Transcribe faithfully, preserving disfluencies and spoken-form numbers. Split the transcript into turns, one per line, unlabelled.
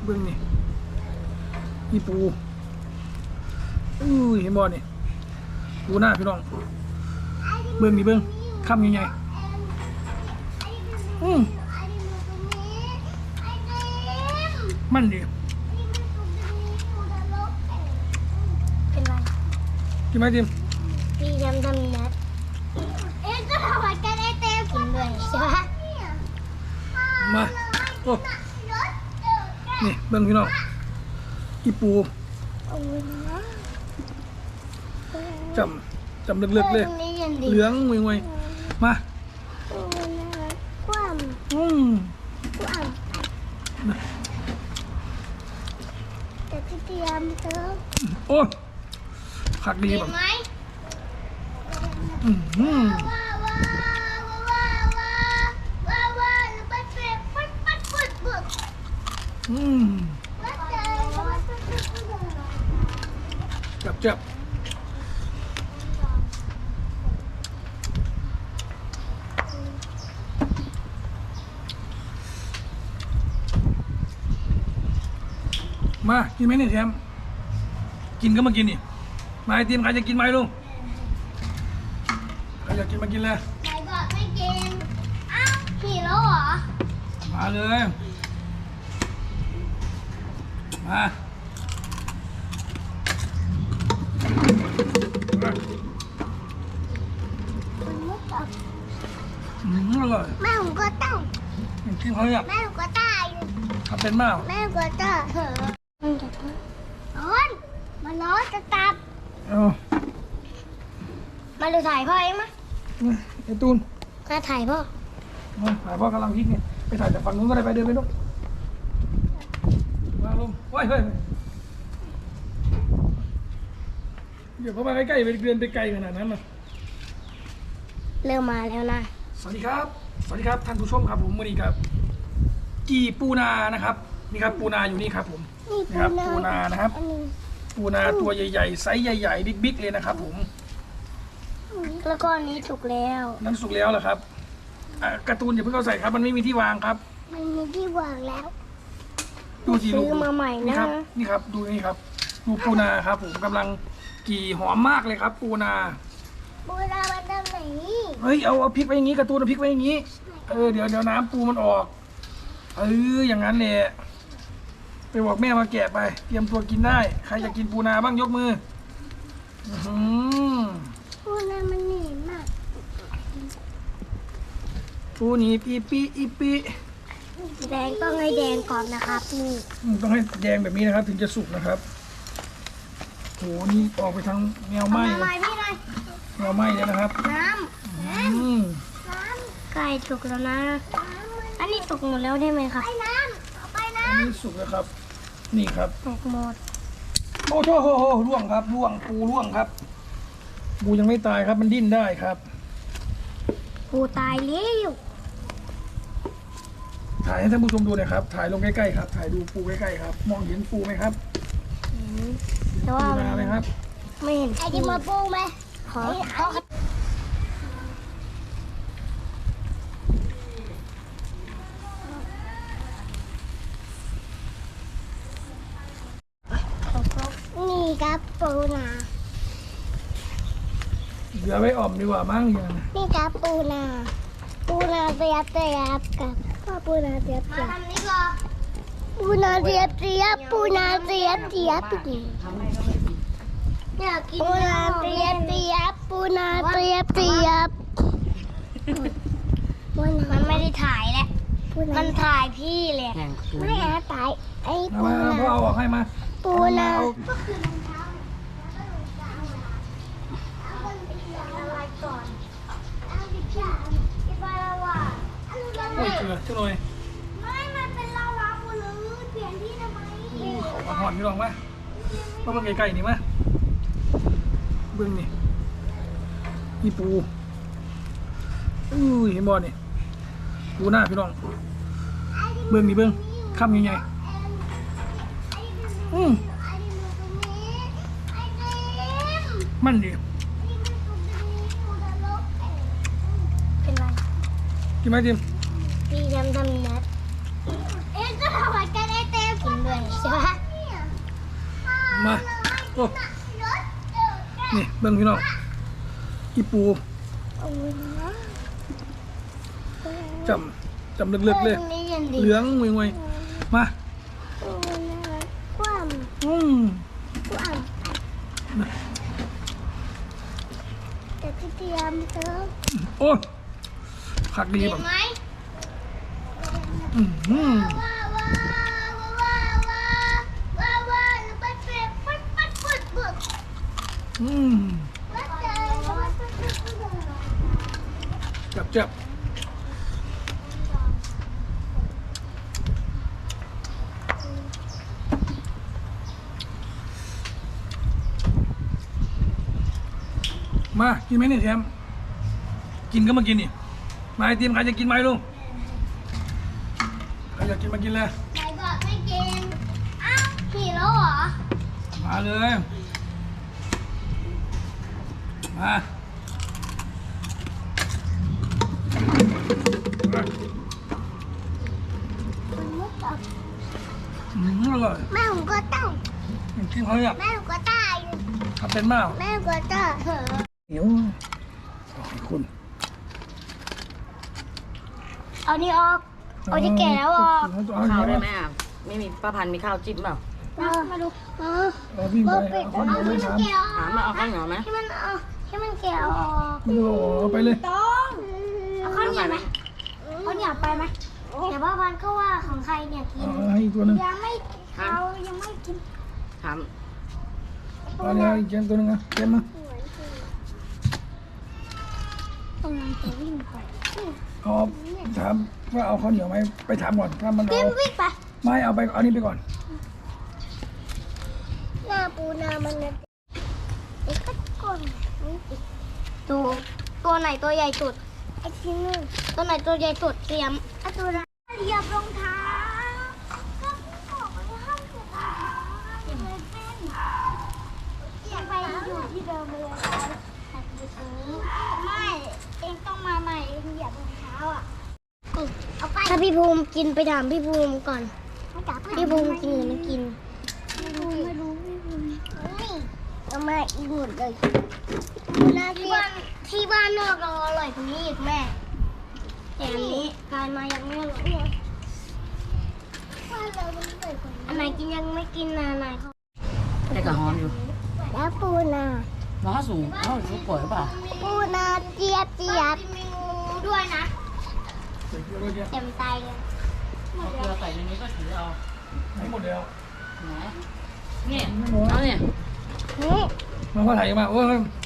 เบื้องนี่นี่ปูอู้เห็นบ่นี่ปูหน้าพี่น้องเบื้องนี่เบื้องคำยังไงอืมมันดิ
เป็นไร
กินไหมจิม
พี่ยำทำนัดเอ๊ะก็ทำเหมือนกันไอเต้กินด้วยใช่ไหม
มาโอ้นี่เบื้องพี่น้องอีปูจำจำเลือกๆเลยเหลืองงวยๆมา
คว่ำ
อืม
คว่ำแต่ที่เตรียมเติม
โอ้ผักดีแบบอืมอืมอืมจับจับมากินไหมเนี่ยแชมป์กินก็มากินนี่มาไอติมใครจะกินไหมลุงใครอยากกินมากินเลย
ใครบอกไม่กินอ้าวหิวแล้วเหรอ
มาเลยมาอืมอร่อย
แม่ผมก็ต้อง
กินเขาเนี่ย
แม่ผมก็ตาย
ทำเป็นมาก
แม่ผมก็ตายมันจะร้อนมันร้อนจะตับ
เอา
มาดูถ่ายพ่อเองมั้ย
ไอ้ตูน
มาถ่ายพ่อ
มาถ่ายพ่อกำลังพลิกเนี่ยไปถ่ายจากฝั่งนู้นก็ได้ไปเดินไปนู้นมาลงว้ายเฮ้ยเดี๋ยวเขามาใกล้ๆไปเดินไปไกลขนาดนั้นนะ
เริ่มมาแล้วนะ
สวัสดีครับสวัสดีครับท่านผู้ชมครับผมวันนี้ครับกีปูนานะครับนี่ครับปูนาอยู่นี่ครับผมนี่ครับปูนานะครับปูนาตัวใหญ่ๆไซส์ใหญ่ๆบิ๊กๆเลยนะครับผม
แล้วก็อันนี้สุกแล้ว
นั่นสุกแล้วเหรอครับการ์ตูนอย่าเพิ่งเอาใส่ครับมันไม่มีที่วางครับ
มันมีที่วางแล้ว
ดูสิลูก
ซื้อมาใหม่นะ
นี่ครับนี่ครับดูนี่ครับดูปูนาครับผมกำลังกี่หอมมากเลยครับปูนา
ปูนามันทำไหน
เฮ้ยเอาเอาพริกไว้อย่างนี้การ์ตูนเอาพริกไว้อย่างนี้เออเดี๋ยวเดี๋ยวน้ำปูมันออกเอออย่างนั้นเลยไปบอกแม่มาแกะไปเตรียมตัวกินได้ใครจะกินปูนาบ้างยกมือ
ปูนามันหนีมาก
ปูนี่ปีปีอีปี
แดงต้องให้แดงก่อนนะครับนี่
ต้องให้แดงแบบนี้นะครับถึงจะสุกนะครับโหนี่ออกไปทางแนวไหม้เลยแนวไหม้เลยนะครับ
น้ำน้ำไก่สุกแล้วนะอันนี้สุกหมดแล้วได้ไหมครับไปน้ำไปน้ำ
อันนี้สุกแล้วครับนี่ครับ
สุกหมด
โอ้โหโหโหร่วงครับร่วงปูร่วงครับปูยังไม่ตายครับมันดิ้นได้ครับ
ปูตายแล้ว
ถ่ายให้ท่านผู้ชมดูหน่อยครับถ่ายลงใกล้ๆครับถ่ายดูปูใกล้ๆครับมองเห็นปูไหมครับ
แต่ว่า
ปูนาไหมครับ
ไม่เห็นไอ้ที่มาปูไหมขอนี่ครับปูนา
เดี๋ยวไว้อ่อมดีกว่ามั้งยัง
นี่ครับปูนาปูนาเตียบเตียบกับพ่อปูนาเตียบเตียบปูนาเตียบเตียบปูนาเตียบเตียบปูนาเตียบเตียบปูนาเตียบเตียบมันไม่ได้ถ่ายแหละมันถ่ายพี่เลยไม่แอบถ่ายไอ้ปูนา
พ่อเอาออกให้มา
ปูนา
โอ้ยเกลือช่วยหน่อย
ไม่มันเป็นลาวาหมดเลยเปลี่ยนที่ทำไม
เขาหอนพี่ลองไหมมาเบิ่งไกลๆนี่มั้ยเบิ่งนี่นี่ปูอู้เห็นบ่นี่ปูหน้าพี่น้องเบิ่งนี่เบิ่งคำยังไงอืมมันดิ
เป็นไร
กินไหมจิม
พี่ยำทำนัดเอ๊ะก็ทำเหมือนกันไอเต้กินด้วย
มาโอ้นี่เบิ่งพี่น้องอีปู
โอ้ยนะ
จำจำลึกๆเลย
ตรงนี้ย็นดี
เหลืองงวยๆมา
โอ้ยนะคว่ำ
อืม
คว่ำแต่พี่เตรียมเติม
โอ้ผักดี
เห็
แบ
น
บ
ไหม
อืมอืม
ว้าวว้าวว้าวว้าวว้าวว้าวปัดเป็ดปัดปัดปัดปัด
อืม
ปัดเป็ดปัดปัดปัดปัด
จับจับมากินไหมเนี่ยแชมป์กินก็มากินนี่มาไอติมใครจะกินไหมลุงใครอยากกินมากินเลย
ไหนบอกไม่กินอ้าวหิวแล้วเหรอ
มาเลยมา
มันมุดออก
อืมอร่อย
แม่ผมก็ต้อง
กินเขาเนี่ย
แม่ผมก็ตาย
ทำเป็นมาก
แม่ผมก็ตายเหรอ
เหนียวขอบคุณ
เอานี่ออกเอาที่แก่แล้วออก
เอา
ข้าว
เหนี
ได้
ยว
ไหมอ่ะไม่มีป้าพันธุ์มีข้าวจิ้มเปล่า
มามาดูเออ
เอาวิ่งไป
เบอร์ปิด
เอาข้าวเหนี
เอา
ยว
ที่
ไม่
มัน
ทาน
แก่ออก
ถามมาเอาข้าวเหนียวไหม
ที่มันเอาที่มันแก่ออก
ไม่ต้องเอาไปเลย
ต้องเอาข้าวเหนียวไหมข้าวเหนียวไปไหมแต่ว่าพันก็ว่าของใครเนี่ยกิน
เอาให้อีกตัวหนึง
ยังไม่เขายังไม่กิน
ถาม
เอาเนี่ยอีกเกมตัวหนึงนะเกมมา
ตรงนั้นจะวิ่งไป
เอาถามว่าเอาข้าวเหนียวไหมไปถามก่อนถ้ามัน
เก
เอา
มวิ่งไป
ไม่เอาไปเอานี่ไปก่อน
หน้าปูนามันเนี่ยไอ้ก็ก้นตัวตัวไหนตัวใหญ่สุดไอ้ที่นึงตัวไหนตัวใหญ่สุดเตรียมไอ้ตัวนั้นเหยียบรองเท้าก็บอกว่าห้ามเหยียบรองเท้าห้ามเลยเป็นอย่าไปอยู่ที่เดิมเลยแต่อยู่ตรงนี้ไม่เองต้องมาใหม่เองเหยียบรองเท้าอ่ะเอาไปถ้าพี่ภูมิกินไปถามพี่ภูมิก่อนพี่ภูมิกินหรือไม่กิน ไม่รู้ไม่รู้ไม่รู้นี่เอามาอีกหมดเลยที่บ้านที่บ้านนอกเราอร่อยกว่านี้อีกแม่แต่อันนี้การมายังไม่อร่อยเลยบ้านเรามันอร่อยกว่านี้อันไหนกินยังไม่กินนะไหนเขา
แต่กระหอมอยู่
แล้วปูนา
น้องสูงน้องสูงป่วยหรือเปล่า
ปูนาเจี๊ยบเจี๊ยบมีงูด้วยนะ
เดี๋ยวเดี๋ยวเดี๋ยว
เต็มตายเลย
เอาเกลือใส่ในนี้ก็ถือเอา
ให้หมดแล้ว
ไหนเนี่ยเอาเนี่ย
นี่
มาพ่อถ่ายมาโอ้ย